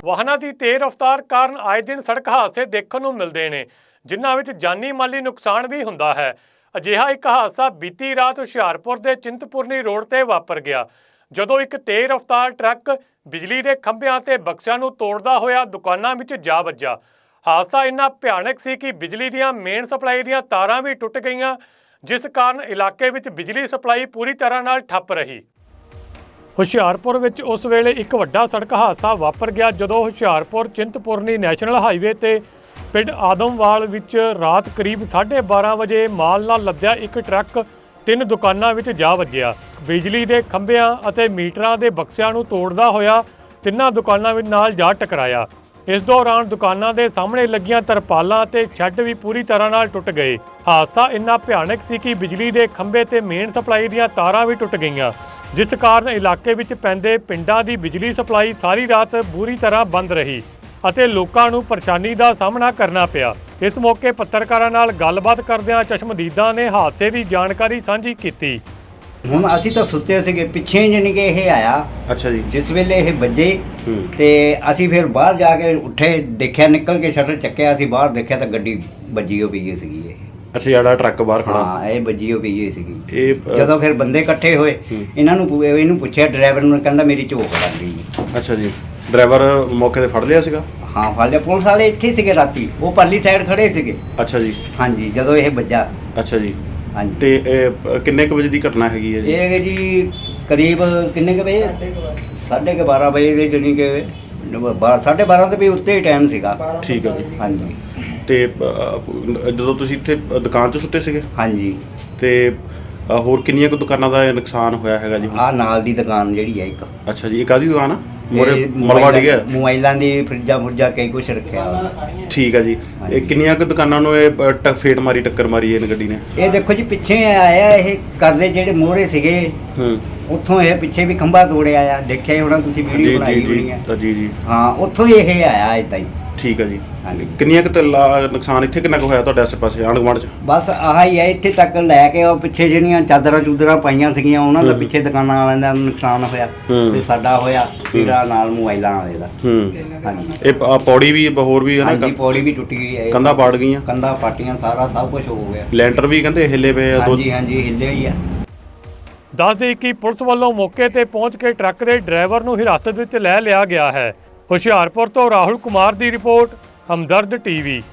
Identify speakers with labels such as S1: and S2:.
S1: ਵਾਹਨਾਂ ਦੀ ਤੇਜ਼ ਰਫ਼ਤਾਰ ਕਾਰਨ ਆਏ ਦਿਨ ਸੜਕ ਹਾਦਸੇ ਦੇਖਣ ਨੂੰ ਮਿਲਦੇ ਨੇ, ਜਿਨ੍ਹਾਂ ਵਿੱਚ ਜਾਨੀ ਮਾਲੀ ਨੁਕਸਾਨ ਵੀ ਹੁੰਦਾ ਹੈ। ਅਜਿਹਾ ਇੱਕ ਹਾਦਸਾ ਬੀਤੀ ਰਾਤ ਹੁਸ਼ਿਆਰਪੁਰ ਦੇ ਚਿੰਤਪੁਰਨੀ ਰੋਡ ਤੇ ਵਾਪਰ ਗਿਆ, ਜਦੋਂ ਇੱਕ ਤੇਜ਼ ਰਫ਼ਤਾਰ ਟਰੱਕ ਬਿਜਲੀ ਦੇ ਖੰਭਿਆਂ ਤੇ ਬਕਸਿਆਂ ਨੂੰ ਤੋੜਦਾ ਹੋਇਆ ਦੁਕਾਨਾਂ ਵਿੱਚ ਜਾ ਵੱਜਾ। ਹਾਦਸਾ ਇੰਨਾ ਭਿਆਨਕ ਸੀ ਕਿ ਬਿਜਲੀ ਦੀਆਂ ਮੇਨ ਸਪਲਾਈ ਦੀਆਂ ਤਾਰਾਂ ਵੀ ਟੁੱਟ ਗਈਆਂ, ਜਿਸ ਕਾਰਨ ਇਲਾਕੇ ਵਿੱਚ ਬਿਜਲੀ ਸਪਲਾਈ ਪੂਰੀ ਤਰ੍ਹਾਂ ਨਾਲ ਠੱਪ ਰਹੀ। ਹੁਸ਼ਿਆਰਪੁਰ ਵਿੱਚ ਉਸ ਵੇਲੇ ਇੱਕ ਵੱਡਾ ਸੜਕ ਹਾਦਸਾ ਵਾਪਰ ਗਿਆ, ਜਦੋਂ ਹੁਸ਼ਿਆਰਪੁਰ ਚਿੰਤਪੁਰਨੀ ਨੈਸ਼ਨਲ ਹਾਈਵੇ ਤੇ ਪਿੰਡ ਆਦਮਵਾਲ ਵਿੱਚ ਰਾਤ ਕਰੀਬ 12:30 ਵਜੇ ਮਾਲ ਨਾਲ ਲੱਦਿਆ ਇੱਕ ਟਰੱਕ 3 ਦੁਕਾਨਾਂ ਵਿੱਚ ਜਾ ਵੱਜਿਆ। ਬਿਜਲੀ ਦੇ ਖੰਭਿਆਂ ਅਤੇ ਮੀਟਰਾਂ ਦੇ ਬਕਸਿਆਂ ਨੂੰ ਤੋੜਦਾ ਹੋਇਆ 3 ਦੁਕਾਨਾਂ ਵਿੱਚ ਨਾਲ ਜਾ ਟਕਰਾਇਆ। ਇਸ ਦੌਰਾਨ ਦੁਕਾਨਾਂ ਦੇ ਸਾਹਮਣੇ ਲੱਗੀਆਂ ਤਰਪਾਲਾਂ ਤੇ ਛੱਡ ਵੀ ਪੂਰੀ ਤਰ੍ਹਾਂ ਨਾਲ ਟੁੱਟ ਗਏ। ਹਾਦਸਾ ਇੰਨਾ ਭਿਆਨਕ ਸੀ ਕਿ ਬਿਜਲੀ ਦੇ ਖੰਭੇ ਤੇ ਮੇਨ ਸਪਲਾਈ ਦੀਆਂ ਤਾਰਾਂ ਵੀ ਟੁੱਟ ਗਈਆਂ, ਜਿਸ ਕਾਰਨ ਇਲਾਕੇ ਵਿੱਚ ਪੈਂਦੇ ਪਿੰਡਾਂ ਦੀ ਬਿਜਲੀ ਸਪਲਾਈ ਸਾਰੀ ਰਾਤ ਬੁਰੀ ਤਰ੍ਹਾਂ ਬੰਦ ਰਹੀ ਅਤੇ ਲੋਕਾਂ ਨੂੰ ਪਰੇਸ਼ਾਨੀ ਦਾ ਸਾਹਮਣਾ ਕਰਨਾ ਪਿਆ। ਇਸ ਮੌਕੇ ਪੱਤਰਕਾਰਾਂ ਨਾਲ ਗੱਲਬਾਤ ਕਰਦਿਆਂ ਚਸ਼ਮਦੀਦਾਂ ਨੇ ਹਾਦਸੇ ਦੀ ਜਾਣਕਾਰੀ ਸਾਂਝੀ ਕੀਤੀ।
S2: ਹੁਣ ਅਸੀਂ ਤਾਂ ਸੁੱਤੇ ਸੀਗੇ, ਪਿੱਛੇ ਜਾਣੀ ਕਿ ਇਹ ਆਇਆ।
S3: ਅੱਛਾ ਜੀ।
S2: ਜਿਸ ਵੇਲੇ ਇਹ ਵੱਜੇ ਤੇ ਅਸੀਂ ਫਿਰ ਬਾਹਰ ਜਾ ਕੇ ਉੱਠੇ, ਦੇਖਿਆ, ਨਿਕਲ ਕੇ ਸ਼ਟਰ ਚੱਕਿਆ, ਅਸੀਂ ਬਾਹਰ ਦੇਖਿਆ ਤਾਂ ਗੱਡੀ ਵੱਜੀ ਹੋ ਪਈ ਸੀਗੀ ਇਹ।
S3: ਅੱਛਾ, ਜਿਹੜਾ ਟਰੱਕ ਬਾਹਰ ਖੜਾ।
S2: ਹਾਂ, ਇਹ ਵੱਜੀ ਹੋ ਪਈ ਸੀਗੀ।
S3: ਇਹ
S2: ਜਦੋਂ ਫਿਰ ਬੰਦੇ ਇਕੱਠੇ ਹੋਏ, ਇਹਨੂੰ ਪੁੱਛਿਆ, ਡਰਾਈਵਰ ਨੂੰ, ਕਹਿੰਦਾ ਮੇਰੀ ਝੋਕ ਲੱਗ ਗਈ।
S3: ਅੱਛਾ ਜੀ। ਡਰਾਈਵਰ ਮੌਕੇ ਤੇ ਫੜ ਲਿਆ ਸੀਗਾ?
S2: ਹਾਂ, ਫੜ ਲਿਆ। ਪੁਲਿਸ ਵਾਲੇ ਇੱਥੇ ਸੀਗੇ ਰਾਤੀ, ਉਹ ਪਰਲੀ ਸਾਈਡ ਖੜੇ ਸੀਗੇ।
S3: ਅੱਛਾ ਜੀ।
S2: ਹਾਂਜੀ, ਜਦੋਂ ਇਹ ਵੱਜਾ।
S3: ਅੱਛਾ ਜੀ।
S2: ਹਾਂਜੀ।
S3: ਤੇ ਇਹ ਕਿੰਨੇ ਕੁ ਵਜੇ ਦੀ ਘਟਨਾ ਹੈਗੀ ਹੈ ਜੀ?
S2: ਇਹ ਜੀ ਕਰੀਬ ਕਿੰਨੇ ਕੁ ਵਜੇ? 12:30 ਵਜੇ ਦੇ, ਜਾਣੀ ਕਿ 12:30 ਤੋਂ ਵੀ ਉੱਤੇ ਹੀ ਟਾਈਮ ਸੀਗਾ।
S3: ਠੀਕ ਹੈ ਜੀ।
S2: ਹਾਂਜੀ।
S3: ਤੇ ਜਦੋਂ ਤੁਸੀਂ ਇੱਥੇ ਦੁਕਾਨ 'ਚ ਸੁੱਤੇ ਸੀਗੇ?
S2: ਹਾਂਜੀ।
S3: ਤੇ ਹੋਰ ਕਿੰਨੀਆਂ ਕੁ ਦੁਕਾਨਾਂ ਦਾ ਨੁਕਸਾਨ ਹੋਇਆ ਹੈਗਾ ਜੀ?
S2: ਆਹ ਨਾਲ ਦੀ ਦੁਕਾਨ ਜਿਹੜੀ ਹੈ ਇੱਕ।
S3: ਅੱਛਾ ਜੀ। ਇਹ ਕਾਹਦੀ ਦੁਕਾਨ ਆ? ਮੋਰੇ
S2: ਇਹ
S3: ਮਲਵਾ ਡਿੱਗਿਆ?
S2: ਮੋਬਾਈਲਾਂ ਦੀ, ਫਰਿੱਜਾਂ ਕਈ ਕੁਛ ਰੱਖਿਆ ਹੋਇਆ।
S3: ਠੀਕ ਹੈ ਜੀ। ਇਹ ਕਿੰਨੀਆਂ ਕੁ ਦੁਕਾਨਾਂ ਨੂੰ ਇਹ ਫੇਟ ਮਾਰੀ, ਟੱਕਰ ਮਾਰੀ ਇਹ ਗੱਡੀ ਨੇ?
S2: ਇਹ ਦੇਖੋ ਜੀ, ਪਿੱਛੇ ਆਇਆ ਇਹ ਕਰਦੇ ਜਿਹੜੇ ਮੋਹਰੇ ਸੀਗੇ, ਉੱਥੋਂ ਇਹ ਪਿੱਛੇ ਵੀ ਖੰਭਾ ਤੋੜਿਆ ਆ। ਦੇਖਿਆ ਹੀ ਹੋਣਾ ਤੁਸੀਂ, ਵੀਡੀਓ ਬਣਾਈ ਹੋਣੀ ਹੈ। ਜੀ ਜੀ। ਹਾਂ, ਉੱਥੋਂ ਹੀ ਇਹ ਆਇਆ ਏਦਾਂ ਹੀ।
S3: ਠੀਕ ਹੈ ਜੀ।
S2: ਹਾਂਜੀ।
S3: ਕਿੰਨੀਆਂ ਕੁ ਨੁਕਸਾਨ ਇੱਥੇ ਕਿੰਨਾ ਕੁ ਹੋਇਆ ਤੁਹਾਡੇ ਆਸੇ ਪਾਸੇ ਆਂਢ ਗੁਆਂਢ 'ਚ?
S2: ਬਸ ਆਹ ਹੀ ਹੈ, ਇੱਥੇ ਤੱਕ ਲੈ ਕੇ ਉਹ ਪਿੱਛੇ ਜਿਹੜੀਆਂ ਚਾਦਰਾਂ ਪਾਈਆਂ ਸੀਗੀਆਂ, ਉਹਨਾਂ ਦਾ ਪਿੱਛੇ ਦੁਕਾਨਾਂ ਵਾਲਿਆਂ ਦਾ ਨੁਕਸਾਨ ਹੋਇਆ ਤੇ ਸਾਡਾ ਹੋਇਆ, ਤੇਰਾ ਨਾਲ ਮੋਬਾਈਲਾਂ ਵਾਲੇ ਦਾ। ਹਾਂਜੀ।
S3: ਇਹ ਪੌੜੀ ਵੀ ਹੋਰ ਵੀ ਹੈ ਨਾ?
S2: ਹਾਂਜੀ, ਪੌੜੀ ਵੀ ਟੁੱਟ ਗਈ ਹੈ।
S3: ਕੰਧਾਂ ਪਾੜ ਗਈਆਂ? ਕੰਧਾਂ
S2: ਪਾਟੀਆਂ, ਸਾਰਾ ਸਭ ਕੁਝ ਹੋ ਗਿਆ।
S3: ਲੈਂਟਰ ਵੀ ਕਹਿੰਦੇ ਹਿੱਲੇ ਪਏ ਆ।
S2: ਹਾਂਜੀ ਹਾਂਜੀ, ਹਿੱਲੇ ਹੀ ਆ।
S1: ਦੱਸ ਦੇਈਏ ਕਿ ਪੁਲਿਸ ਵੱਲੋਂ ਮੌਕੇ ਤੇ ਪਹੁੰਚ ਕੇ ਟਰੱਕ ਦੇ ਡਰਾਈਵਰ ਨੂੰ ਹਿਰਾਸਤ ਵਿੱਚ ਲੈ ਲਿਆ ਗਿਆ ਹੈ। ਹੁਸ਼ਿਆਰਪੁਰ ਤੋਂ ਰਾਹੁਲ ਕੁਮਾਰ ਦੀ ਰਿਪੋਰਟ, ਹਮਦਰਦ ਟੀਵੀ।